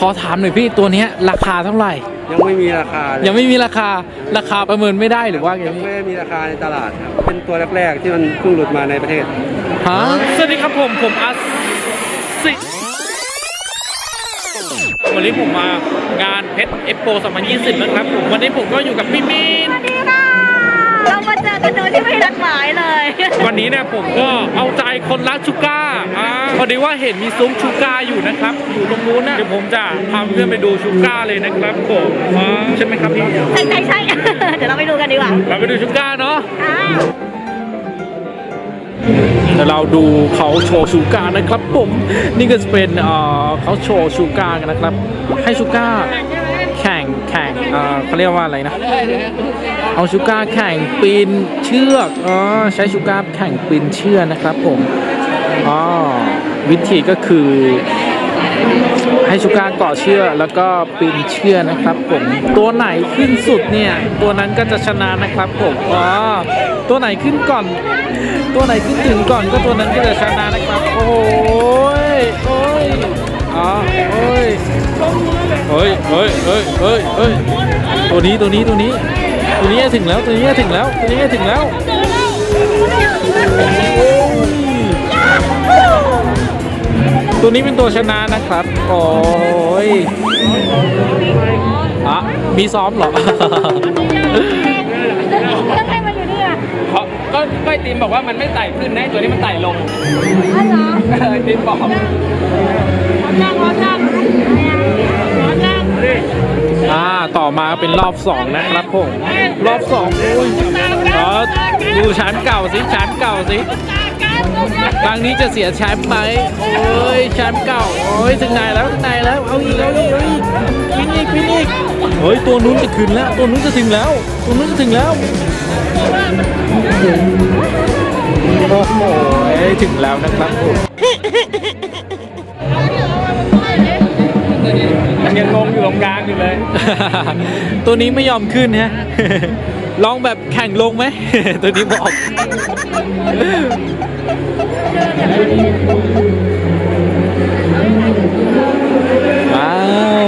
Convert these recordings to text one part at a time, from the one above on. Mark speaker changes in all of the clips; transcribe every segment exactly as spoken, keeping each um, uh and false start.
Speaker 1: อถามหน่อยพี่ตัวเนี้ยราคาเท่าไหร่
Speaker 2: ยังไม่มีราคาเลย
Speaker 1: ยังไม่มีราคาราคาประเมินไม่ได้หรือว่าไง
Speaker 2: ยัง
Speaker 1: พี่
Speaker 2: ไม่มีราคาในตลาดครับเป็นตัวแรกๆที่มันเพิ่งหลุดมาในประเทศ
Speaker 1: ฮะสวัสดีครับผมผมอาสิวันนี้ผมมางานเพชรเอ็กโปสองพันยี่สิบนะครับผมวันนี้ผมก็อยู่กับพี่มีน
Speaker 3: สวัสดีค่ะเรามาเจอกันโดยที่ไม่นัดหมายเลย
Speaker 1: วันนี้เนี่ยผมก็เอาใจคนรักชูก้าอ่าพอดีว่าเห็นมีซุ้มชูก้าอยู่นะครับอยู่ตรงนู้นนะเดี๋ยวผมจะพาเพื่อนไปดูชูก้าเลยนะครับผมอ่าใช่ไหมครับพี่
Speaker 3: ใช่ใช่ใช่เดี๋ยวเราไปดูกันดีกว่า
Speaker 1: เราไปดูชูก้าเนาะเดี๋ยวเราดูเขาโชว์ชูการ์นะครับผมนี่ก็จะเป็นเอ่อเขาโชว์ชูการ์กันนะครับให้ชูการ์แข่งแข่งเอ่อเขาเรียกว่าอะไรนะเอาชูการ์แข่งปีนเชือกอ๋อใช้ชูการ์แข่งปีนเชือกนะครับผมอ๋อวิธีก็คือให้ชูการ์เกาะเชือกแล้วก็ปีนเชือกนะครับผมตัวไหนขึ้นสุดเนี่ยตัวนั้นก็จะชนะนะครับผมอ๋อตัวไหนขึ้นก่อนตัวไหนขึ้นถึงก่อนก็ตัวนั้นก็จะชนะนะครับโอ้ยโอ้ยอ๋อโอ้ยเฮ้ยเฮ้ยเฮ้ยเฮ้ยเฮ้ยตัวนี้ตัวนี้ตัวนี้ตัวนี้ถึงแล้วตัวนี้ถึงแล้วตัวนี้ถึงแล้วตัวนี้เป็นตัวชนะนะครับโอ้ยอ่ะมีซ้อมเหรอ
Speaker 3: แล้วใครมาอยู่นี่อ่ะ
Speaker 1: ก็ก็ไอติมบอกว่ามันไม่ไต่ขึ้นนะตัวนี้มันไต่ลง
Speaker 3: อ๋อเหรอ
Speaker 1: ไอติมบอก
Speaker 3: จ้างรอจ้างรอจ้าง
Speaker 1: อ่าต่อมาเป็นรอบสองนะครับผมรอบสองโอ้ยเออดูชั้นเก่าสิชั้นเก่าสิครั้งนี้จะเสียแชมป์ไหมโอ้ยแชมป์เก่าโอ้ยถึงไหนแล้วถึงไหนแล้วเอาอีกเอาอีกเอาอีกพินอีกพินอีกเฮ้ยตัวนู้นจะขึ้นแล้วตัวนู้นจะถึงแล้วตัวนู้นจะถึงแล้วโอ้โหถึงแล้วนะครับผมยังงงอยู่ตรงกลางอยู่เลยตัวนี้ไม่ยอมขึ้นฮะลองแบบแข่งลงไหมตัวนี้บอกว้าว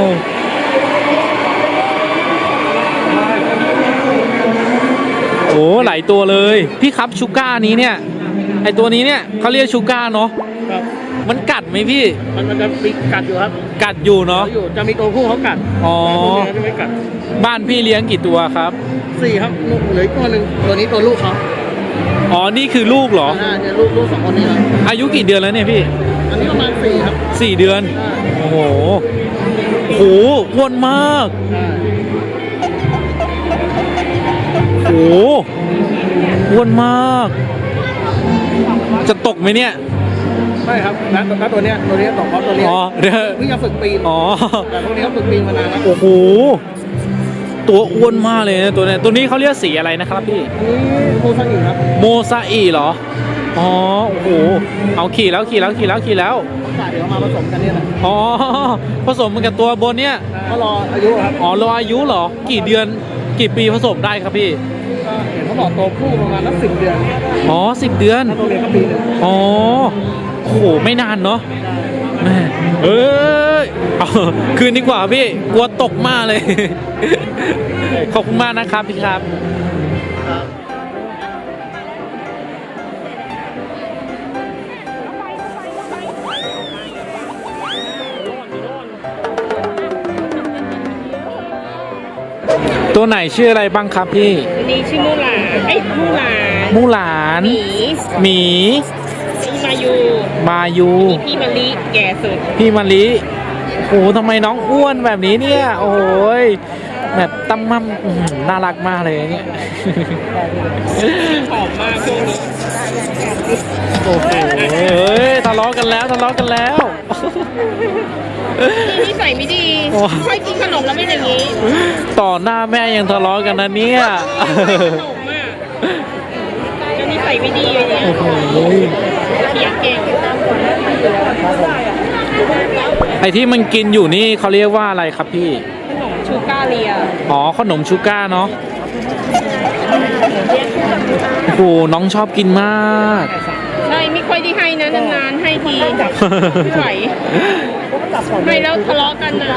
Speaker 1: โอ้หลายตัวเลยพี่ครับชูก้านี้เนี่ยไอตัวนี้เนี่ยเขาเรียกชูก้าเนาะมันกัดไหมพี่
Speaker 2: มันมันจะมีกัดอยู่ครับ
Speaker 1: กัดอยู่เนาะ
Speaker 2: จะมีตัวผู้เขากัด
Speaker 1: อ๋อ
Speaker 2: ไม่กัด
Speaker 1: บ้านพี่เลี้ยงกี่ตัวครับ
Speaker 2: สี่ครับลูกเหลือตัวหนึ่งตัวนี้ตัวลูกเขา
Speaker 1: อ๋อนี่คือลูกเหรอ
Speaker 2: อ่าเนี่ยลูกลูกสองคนนี้ครับ
Speaker 1: อายุกี่เดือนแล้วเนี่ยพี่
Speaker 2: อันนี้ประมาณสี่ครับ
Speaker 1: สี่เดือนโอ้โหโอ้โหอ้วนมากโอ้โหอ้วนมากจะตกไหมเนี่ย
Speaker 2: ไม่ครับนะนะตัวเนี้ยตัวนี้ตกเพราะตัวนี้
Speaker 1: อ๋อเดี๋ยว
Speaker 2: เพิ่งจะฝึกปีน
Speaker 1: อ๋อ
Speaker 2: แต่พวกนี้เขาฝึกปีนมานานแล้ว
Speaker 1: โอ้โหตัวอ้วนมากเลยนะตัวนี้ตัวนี้เขาเรียกสีอะไรนะครับพี่
Speaker 2: โมซาอิครับ
Speaker 1: โมซาอิเหรออ๋อโอ้โหเอาขี่แล้วขี่แล้วขี่แล้วขี่แล้ว
Speaker 2: เดี๋ยวมาผสมกันเนี่ยแหละ
Speaker 1: อ๋อผสมมันกับตัวบนเนี้ย
Speaker 2: เขารออายุครับ
Speaker 1: อ๋อรออายุเหรอกี่เดือนกี่ปีผสมได้ครับพี่
Speaker 2: เห็นเขาบอกตัวผู้ประมาณนักสิบเดือน
Speaker 1: อ๋อสิบเดือน
Speaker 2: ตัวเล็กก็ปีนึง
Speaker 1: อ๋อโอ้โหไม่นานเนาะแม่เอ้ยเอาคืนดีกว่าพี่กลัวตกมากเลยขอบคุณมากนะครับพี่ครับตัวไหนชื่ออะไรบ้างครับพี่
Speaker 3: ตัวนี้ชื่อมูหลานไอ้มูหลาน
Speaker 1: มูหลาน
Speaker 3: หมี
Speaker 1: หมี
Speaker 3: มายู
Speaker 1: มายู
Speaker 3: พี่มะลิแก่สุด
Speaker 1: พี่มะลิโอ้โหทำไมน้องอ้วนแบบนี้เนี่ยโอ้โหแบบตั้มมั่มน่ารักมากเลยเนี่ย
Speaker 3: หอมมากช่วงนี้
Speaker 1: โอ้โหเฮ้ยทะเลาะกันแล้วทะเลาะกันแล้ว
Speaker 3: นี่ใส่ไม่ดีใช่กินขนมแล้วไม่อย่างนี้
Speaker 1: ต่อหน้าแม่ยังทะเลาะกันนะเนี่ย
Speaker 3: ขนมอ่ะจะนี่ใส่ไม่ดีอย่างเงี้ยเถียงเก่ง
Speaker 1: ไอ้ที่มันกินอยู่นี่เขาเรียกว่าอะไรครับพี่
Speaker 3: ขนมชูก้าเลีย
Speaker 1: อ๋อขนมชูก้าเนาะโอ้โหน้องชอบกินมาก
Speaker 3: ใช่ไม่ค่อยได้ให้นะนานๆให้ทีไม่ไหวไม่แล้วทะเลาะกันนะ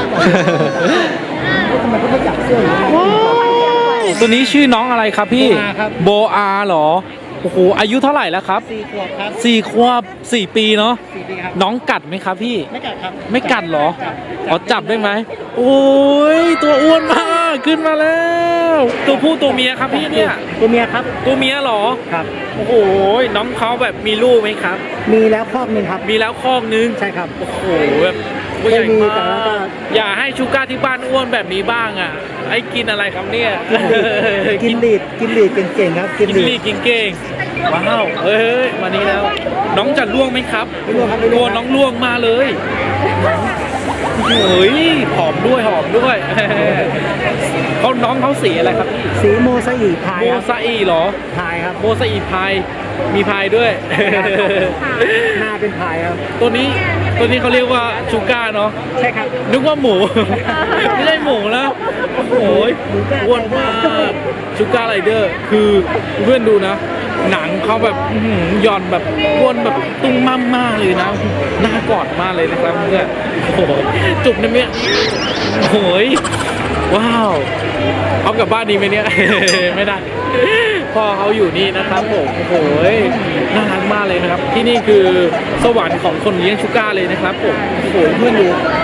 Speaker 1: ว้าวตัวนี้ชื่อน้องอะไรครับพี่โบอาเหรอโอ้โหอายุเท่าไหร่แล้วครับ
Speaker 2: สี่ขวบครับ
Speaker 1: สี่ขวบสี่ปีเนาะ
Speaker 2: สี่ปีครับ
Speaker 1: น้องกัดไหมครับพี่
Speaker 2: ไม่กัดครับ
Speaker 1: ไม่กัดเหรออ๋อจับได้ไหมโอ้ยตัวอ้วนมากขึ้นมาแล้ว ตัวผู้ตัวเมียครับพี่เนี่ย
Speaker 2: ตัวเมียครับ
Speaker 1: ตัวเมียเหรอ
Speaker 2: ครับ
Speaker 1: โอ้โหน้องเขาแบบมีลูกไหมครับ
Speaker 2: มีแล้วครอบหนึ่งครับ
Speaker 1: มีแล้วคอกนึง
Speaker 2: ใช่ครับ
Speaker 1: โอ้โหแบบตัวใหญ่
Speaker 2: ไม่มี
Speaker 1: มา
Speaker 2: แต่ว่าก็
Speaker 1: กอย่าให้ชูก้าที่บ้านอ้วนแบบนี้บ้างอ่ะไอ้กินอะไรครับเนี่ย
Speaker 2: กินลีดกินลีดเก่งๆครับกิ
Speaker 1: กิ
Speaker 2: น
Speaker 1: น
Speaker 2: ลี
Speaker 1: ลี
Speaker 2: ด
Speaker 1: กินเก่งว้าวเอ้ยมานี่แล้ว น้องจะล่วงไหมครับ
Speaker 2: ไม่ร่วงครับไม่
Speaker 1: ก
Speaker 2: ร่
Speaker 1: ลั
Speaker 2: ว
Speaker 1: ว
Speaker 2: ง
Speaker 1: น้องล่วงมาเลยเฮ้ยหอมด้วยหอมด้วย เขาน้องเขาสีอะไรครับพี่
Speaker 2: สีโมซาอิพาย
Speaker 1: โม
Speaker 2: ครับ
Speaker 1: ซาอีเหรอ
Speaker 2: พายครับ
Speaker 1: โมซาอีพายมีพายด้วย
Speaker 2: หน้าเป็นพายครับ
Speaker 1: ตัวนี้ตัวนี้เขาเรียกว่าชูก้าเนาะ
Speaker 2: ใช่ครับ
Speaker 1: นึกว่าหมู ไม่ใช่หมูแล้วโอ้โหอ้วนมากชูก้าไรเดอร์คือเพื่อนดูนะ หนังเขาแบบอื้อหือหย่อนแบบอ้วนแบบตุ้งมั่มมากเลยนะน่ากอดมากเลยนะครับเพื่อนโอ้โหจุกนะเนี่ยโอ้โหว้าวเอากลับบ้านดีไหมเนี่ย ไม่ได้พ่อเขาอยู่นี่นะครับผมโอ้โหน่ารักมากเลยนะครับ ที่นี่คือสวรรค์ของคนเลี้ยงชูก้าเลยนะครับผมโอ้โหเพื่อนดู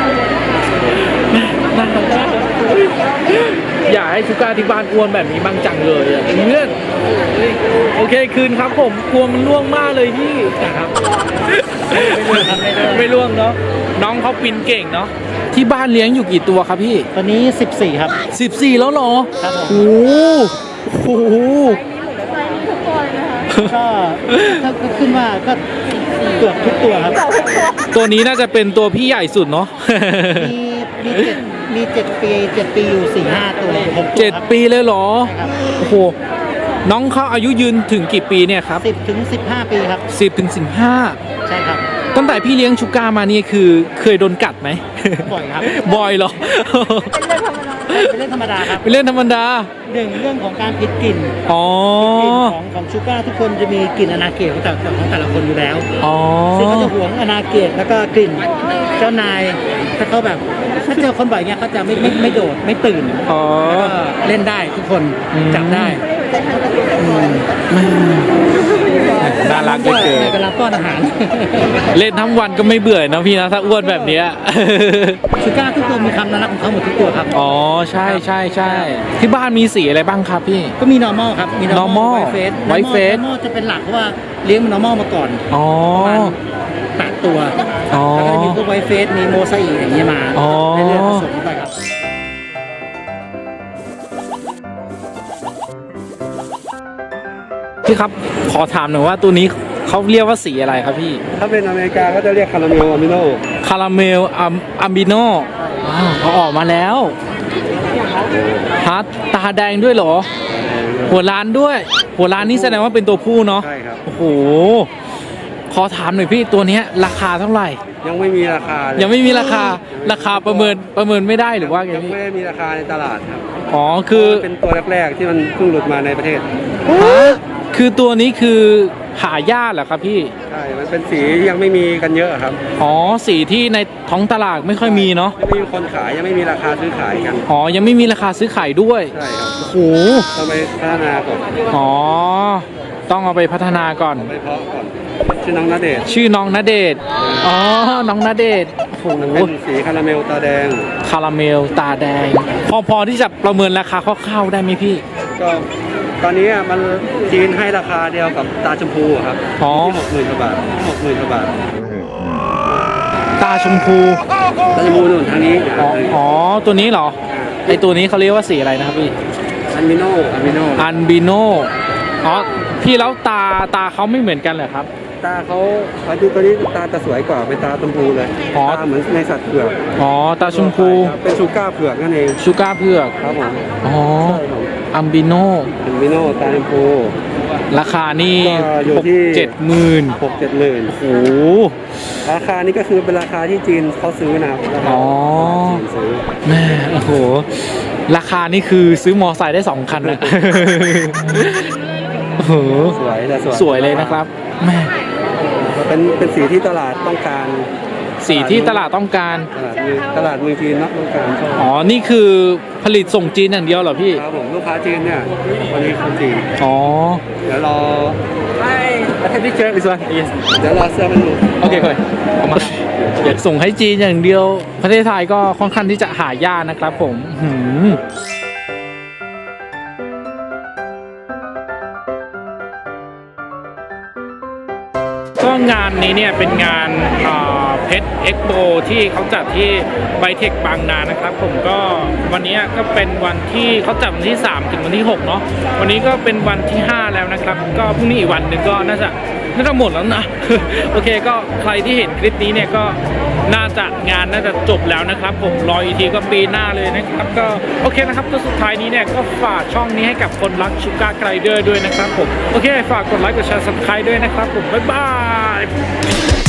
Speaker 1: น่ารักมากอยากให้ชูก้าที่บ้านอ้วนแบบนี้บ้างจังเลยอะเพื่อนโอเคคืนครับผมกลัวมันล่วงมากเลยพี่ครับไม่ล่วงเนาะน้องเขาปีนเก่งเนาะที่บ้านเลี้ยงอยู่กี่ตัวครับพี่
Speaker 2: ตอนนี้สิบสี่ครับ
Speaker 1: สิบสี่แล้วเหรอ
Speaker 2: ครับผม
Speaker 1: โอ้โห
Speaker 2: ก็ถ้าก็ขึ้นว่าก็เกือบทุกตัวครับ
Speaker 1: ตัวนี้น่าจะเป็นตัวพี่ใหญ่สุดเนาะ
Speaker 2: มีมีเจ็ดมีเจ็ดปีเจ็ดปีอยู่สี่ห้าตัวหกตัว
Speaker 1: เจ็ดปีเลยเหรอ
Speaker 2: ครับ
Speaker 1: โอ้โห น้องเขาอายุยืนถึงกี่ปีเนี่ยครับ
Speaker 2: สิบถึงสิบห้าปีครับ
Speaker 1: สิบถึงสิบห้า
Speaker 2: ใช่ครับ
Speaker 1: ตั้งแต่พี่เลี้ยงชูก้ามานี่คือเคยโดนกัดไหม
Speaker 2: บ่อยครับ
Speaker 1: บ่อยเหรอ
Speaker 2: เป็นเรื่องธรรมดาครับ
Speaker 1: เป็นเรื่องธรรมดา
Speaker 2: หนึ่งเรื่องของการผิดกลิ่น
Speaker 1: อ๋อ
Speaker 2: กลิ่นของของชูการ์ทุกคนจะมีกลิ่นอนาเกตของแต่ของแต่ละคนอยู่แล้ว
Speaker 1: อ๋อ
Speaker 2: ซึ่งเขาจะหวงอนาเกตแล้วก็กลิ่นเจ้านายถ้าเขาแบบถ้าเจอคนบ่อยเงี้ยเขาจะไม่ไม่ไม่โดดไม่ตื่น
Speaker 1: อ๋อ
Speaker 2: แล้วก็เล่นได้ทุกคน
Speaker 1: อืม
Speaker 2: จับได้อืม
Speaker 1: น่ารักเหลือเกิน
Speaker 2: ในเวลาป้อนอาหาร
Speaker 1: เล่นทั้งวันก็ไม่เบื่อนะพี่นะถ้าอ้วนแบบเนี้ย
Speaker 2: ชูการ์ทุกตัวมีคำน่ารักของเขาหมดทุกตัวครับ
Speaker 1: อ๋อใช่ใช่ใช่ที่บ้านมีสีอะไรบ้างครับพี่
Speaker 2: ก็มี normal ครับมี
Speaker 1: normal
Speaker 2: white face
Speaker 1: white face
Speaker 2: normal จะเป็นหลักเพราะว่าเลี้ยง normal มาก่อน
Speaker 1: อ๋อ
Speaker 2: ประมาณแปดตัว
Speaker 1: อ๋อ
Speaker 2: แล้วก็จะมีพวกไวท์เฟส มีโมซาอิอย่างเงี้ยมา
Speaker 1: อ๋อ
Speaker 2: เรื่อยๆผสมไปครับ
Speaker 1: พี่ครับขอถามหน่อยว่าตัวนี้เขาเรียกว่าสีอะไรครับพี่
Speaker 2: ถ้าเป็นอเมริกาก็จะเรียกคาราเมลอะมิโน
Speaker 1: คาราเมลอัมอัมบิโนเขาออกมาแล้วฮัทตาแดงด้วยเหรอ หัวล้านด้วย หัวล้านนี่แสดงว่าเป็นตัวผู้เนาะ
Speaker 2: ใช่ครับ
Speaker 1: โอ้โหขอถามหน่อยพี่ตัวเนี้ยราคาเท่าไหร่
Speaker 2: ยังไม่มีราคาเลย
Speaker 1: ยังไม่มีราคาราคาประเมินประเมินไม่ได้หรือว่าไง
Speaker 2: ยัง
Speaker 1: พี่
Speaker 2: ไม่ได้มีราคาในตลาดครับ
Speaker 1: อ๋อคือ
Speaker 2: เป็นตัวแรกๆที่มันเพิ่งหลุดมาในประเทศ
Speaker 1: ฮะคือตัวนี้คือหายากเหรอครับพี่
Speaker 2: ใช่ มันเป็นสีที่ยังไม่มีกันเยอะครับ
Speaker 1: อ๋อสีที่ในท้องตลาดไม่ค่อยมีเนาะ
Speaker 2: ยังไม่มีคนขายยังไม่มีราคาซื้อขายกัน
Speaker 1: อ๋อยังไม่มีราคาซื้อขายด้วย
Speaker 2: ใช่ครับ
Speaker 1: โอ้โห
Speaker 2: ต้องไปพัฒนาก่อน
Speaker 1: อ๋อต้องเอาไปพัฒนาก่อน
Speaker 2: ไปเพาะก่อนชื่อน้องณเดชน์
Speaker 1: ชื่อน้องณเดชน์อ๋อน้องณเดชน์โอ้โห
Speaker 2: มันเป็นสีคาราเมลตาแดง
Speaker 1: คาราเมลตาแดง พอพอที่จะประเมินราคาคร่าวๆได้ไหมพี่
Speaker 2: ก็ตอนนี้อะมันจีนให้ราคาเดียวกับตาชมพูอะครับ
Speaker 1: อ๋อ
Speaker 2: ที่หกหมื่นกว่าบาทหกหมื่นกว่าบาท
Speaker 1: ตาชมพู
Speaker 2: ตาชมพูนู่นทางนี้
Speaker 1: อ๋ออ๋อตัวนี้เหรอไอตัวนี้เขาเรียกว่าสีอะไรนะครับพี่
Speaker 2: อันมิโนอันมิโน
Speaker 1: อันบิโนอ๋อพี่แล้วตาตาเขาไม่เหมือนกันเหรอครับ
Speaker 2: ตาเขาเขาดูตัวนี้ตาจะสวยกว่าเป็นตาชมพูเลย
Speaker 1: อ๋อ
Speaker 2: ตาเหมือนในสัตว์เผือก
Speaker 1: อ๋อตาชมพู
Speaker 2: เป็นชูก้าเผือกนั่นเอง
Speaker 1: ชูการ์เผือก
Speaker 2: ครับผม
Speaker 1: อ๋ออัมบิโน
Speaker 2: อันมิโนตาชมพู
Speaker 1: ราคานี่
Speaker 2: ก็อยู่
Speaker 1: หก
Speaker 2: ที่
Speaker 1: เจ็ดหมื่น
Speaker 2: หกเจ็ดหมื่น
Speaker 1: โอ้โห
Speaker 2: ราคานี้ก็คือเป็นราคาที่จีนเขาซื้อนะครับราคา
Speaker 1: อ๋อ
Speaker 2: จีนซื้อ
Speaker 1: แม่โอ้โหราคานี่คือซื้อมอไซค์ได้สองคันนะ โอ้โห
Speaker 2: สวยแต่สวย
Speaker 1: สวยเลยนะครับแม่
Speaker 2: เป็นเป็นสีที่ตลาดต้องการ
Speaker 1: สีที่ตลาดต้องการ
Speaker 4: ตลาดมือตลาดมือจีนนักต้องการชอบ
Speaker 1: อ๋อ นี่คือผลิตส่งจีนอย่างเดียวเหรอพี่
Speaker 4: ครับผมลูกค้าจีนเนี่ยวันนี้คนจีน
Speaker 1: อ๋อ
Speaker 4: เดี๋ยวรอ
Speaker 1: I have picture this one yes
Speaker 4: เดี๋ยวรอเสื้อมันดู
Speaker 1: โอเคก่อนเอามาอยากส่งให้จีนอย่างเดียว ประเทศไทยก็ค่อนข้างที่จะหายากนะครับผมหืมก็งานนี้เนี่ยเป็นงานเพชรเอ็กโปที่เขาจัดที่ไบเทคบางนานะครับผมก็วันนี้ก็เป็นวันที่เขาจัดวันที่สามถึงวันที่หกเนาะวันนี้ก็เป็นวันที่ห้าแล้วนะครับก็พรุ่งนี้อีกวันหนึ่งก็น่าจะน่าจะหมดแล้วนะ โอเคก็ใครที่เห็นคลิปนี้เนี่ยก็น่าจะงานน่าจะจบแล้วนะครับผมรออีกทีก็ปีหน้าเลยนะครับก็โอเคนะครับก็สุดท้ายนี้เนี่ยก็ฝากช่องนี้ให้กับคนรักชูการ์ไกลเดอร์ด้วยนะครับผมโอเคฝากกดไลค์กดแชร์ ซับสไครบ์ด้วยนะครับผมบ๊ายบาย